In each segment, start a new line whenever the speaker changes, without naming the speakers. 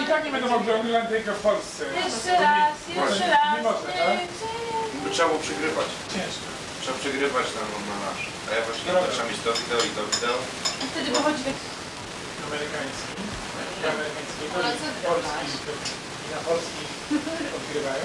tak nie będą mogli oglądać tylko w Polsce.
Jeszcze raz.
Nie można, tak?
By trzeba było przegrywać.
Ciężko.
Trzeba przegrywać tam malarz. A ja właśnie zaczynam mieć to wideo i to wideo.
I wtedy wychodzi tak...
Amerykański. Amerykański. Polski. I na polski odgrywają.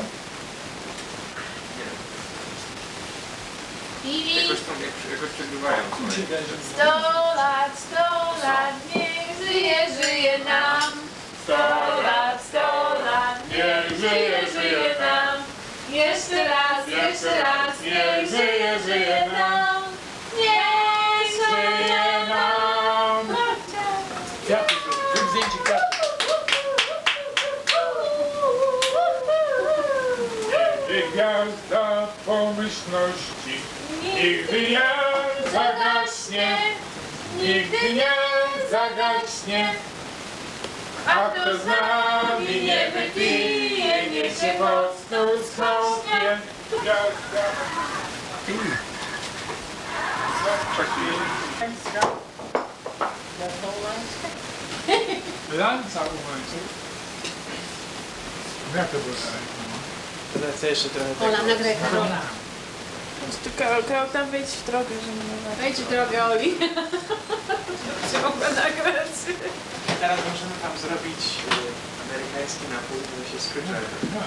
Jakoś przegrywają.
100 lat, niech żyje nam. 100 lat, niech żyje nam. Jeszcze raz, niech żyje nam. Niech żyje nam.
Kwiaty, zrób zdjęcie kwiatów. Nigdy gwiazda pomyślności nigdy nie zagaśnie, nigdy nie zagaśnie. A kto z nami nie wypije, niech się mocno skąpie. Gwiazda. Lanca u łańcuch. Jak to było dalej?
Lecę jeszcze trochę
Ola, nagraj Karola.
Karol, tam wejdź w drogę, że mnie nagrać.
Wejdź w drogę, Oli.
Się mogła nagrać.
Teraz możemy tam zrobić amerykański napój, który się Scrooge'a.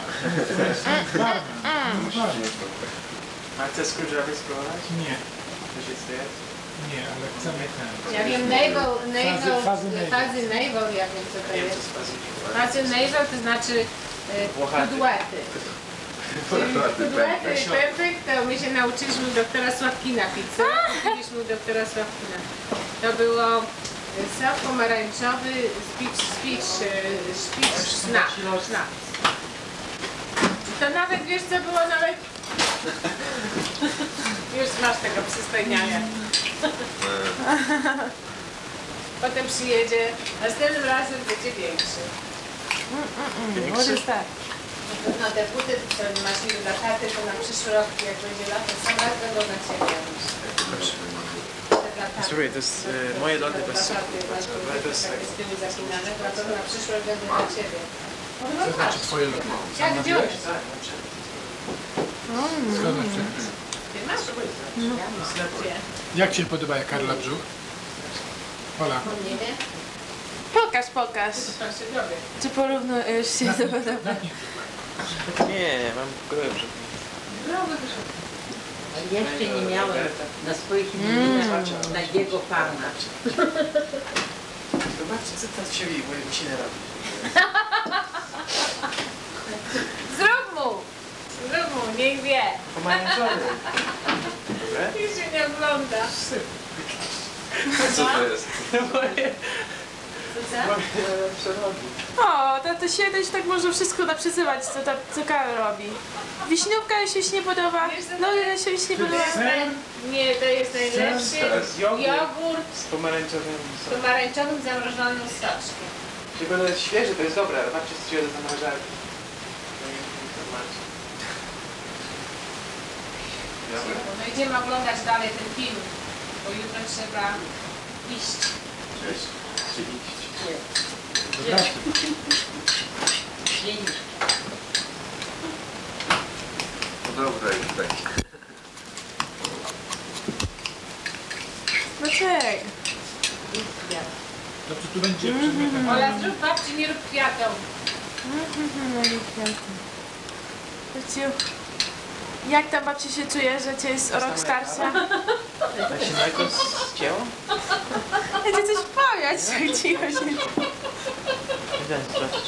A chce Scrooge'owi spróbować?
Nie.
To się chce?
Nie, ale chcemy ten.
Ja wiem,
Fazy
navel, ja wiem co to
Wiem, co
jest.
z fazy
Fazy navel to znaczy
Włochaty.
kudłety. Kudłety i pępek to my się nauczyliśmy u doktora Sławkina pizzę. Mieliśmy u doktora Sławkina. To było sok pomarańczowy, sznaps. To nawet, wiesz co było nawet... Już masz tego przystojniania. Potem przyjedzie, następnym razem będzie większy.
Może tak.
No te buty, które masz niby dla taty, to na przyszły rok, jak będzie lato, sam raz będą na ciebie.
Słuchaj, to jest moje lody bez soku.
Ale to jest z tyłu zapinane, a to na przyszły rok będą dla ciebie.
Co znaczy twoje lody?
Jak wziąłeś?
Skąd masz przepis?
Ty masz? Ja mam. Gdzie?
Jak ci się podoba Karola brzuch? Ola.
Nie wiem.
Pokaż.
Pan się dowie.
Czy porównujesz się do podobnego?
Nie, mam gołe brzuch.
Jeszcze nie miałem na swoich imieninach takiego pana.
Zobaczcie, co teraz się moje musiny robi.
Zrób mu, niech wie.
Pomarańczowy. Dobre?
Już się nie ogląda.
Co to jest?
O, to się też tak można wszystko naprzyzywać, co Karol robi. Wiśniówka się nie podoba, no ile się nie podoba.
Nie, to jest najlepszy jogurt
Z pomarańczowym
z pomarańczowym zamrożonym soczkiem.
Tylko to jest świeży, to jest dobre, ale patrzcie, co się do zamrażarki.
No idziemy oglądać dalej ten film, bo jutro trzeba iść.
Cześć. Czy iść? No dobra, już tak.
Dlaczego?
Dobrze, tu będzie przedmiotem.
Ola, zrób babci, nie rób kwiatom.
Jak tam babci się czuje, że cię jest o rok starsza?
Tak się mleko zcięło?
Ja cię coś powiać, tak cicho się.
Idę zobaczyć.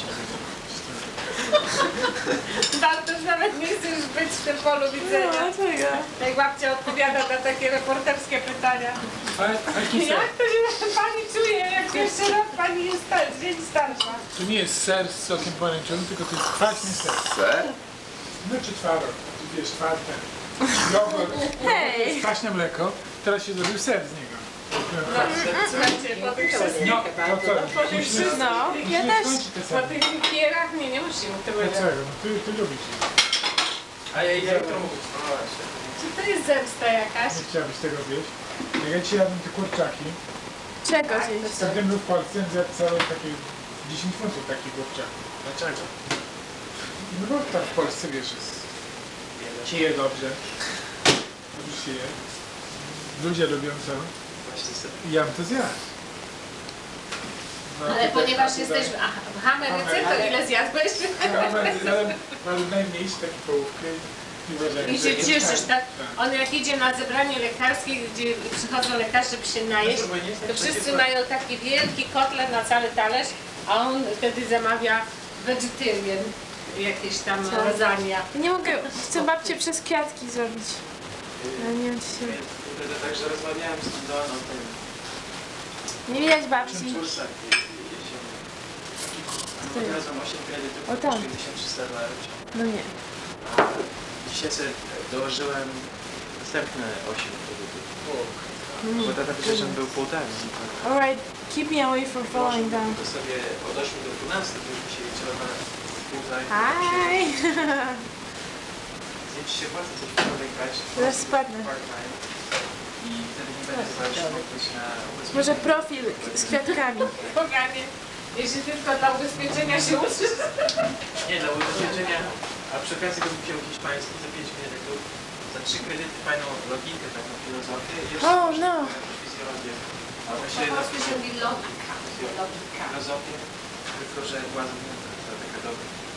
Bartosz nawet nie chce już być w tym polu widzenia.
Dlaczego?
Jak babcia odpowiada na takie reporterskie pytania. Jak to się pani czuje, jak jeszcze rok pani jest dzień starsza?
To nie jest ser z sokiem pomarańczowym, tylko to jest kwaśny ser.
Ser?
No czy twaróg, czy wiesz, twarde. Jogurt,
Hej!
kwaśne mleko, teraz się zrobił ser z niego.
Słuchajcie, po tych wszystkich,
No, to co? Musimy
No, ja też.
skończyć te
po
sery.
tych pierach, nie musimy tego
Dlaczego? No ty lubisz.
A ja idę jutro mówić, spróbować.
Czy to jest zemsta jakaś?
Nie chciałabyś tego wieść. Jak ja dzisiaj jadłem te kurczaki,
Czego zjeść?
gdybym był w Polsce, zjadł całe takie 10 funtów taki kurczak. Dlaczego? No bo tam w Polsce, wiesz, jest, się je dobrze. Dobrze się je. Ludzie lubią to.
Właśnie sobie.
I ja bym to zjadł. No,
Ale
tutaj
ponieważ
tutaj-
jesteś w Ameryce, to ile zjadłeś?
Mam najmniejszy taki połówkę i uważam,
I
że
się
jest
cieszysz, tak?
Tak.
On jak idzie na zebranie lekarskie, gdzie przychodzą lekarze, żeby się najeść, to wszyscy mają taki wielki kotlet na cały talerz, a on wtedy zamawia vegetarian, jakieś tam
Co?
lasagne.
Ja nie mogę, chcę babcię przez kwiatki zrobić. Ale nie wiem, czy się...
Wtedy także rozmawiałem z tą Doaną,
Nie widać
tym
babci.
Czursak jeziemy. Razem 8 kredytów,
O tam.
kosztuje $1300.
No nie.
Dzisiaj sobie dołożyłem następne 8 kredytów.
Mm.
Bo tata przecież był półtarni.
Alright, keep me away from falling down.
To sobie odeszły do 12, to już mi się liczyło na półtarni.
Hi!
Zjedź się własne coś podejrzeć.
Zaraz spadnę.
I wtedy nie będę zależał jakoś na ubezpieczenie.
Może profil z kwiatkami.
Poganie, jeśli tylko dla ubezpieczenia się uczysz.
Nie, dla ubezpieczenia, a przy okazji bym wziął hiszpański za 5 kredytów, za 3 kredyty fajną logikę, taką filozofię i jeszcze
Oh, no.
fizjologię. A
Po
myślę, że
polsku się mówi logika. Logika.
filozofię, tylko że była zmieniona, to taka dobra.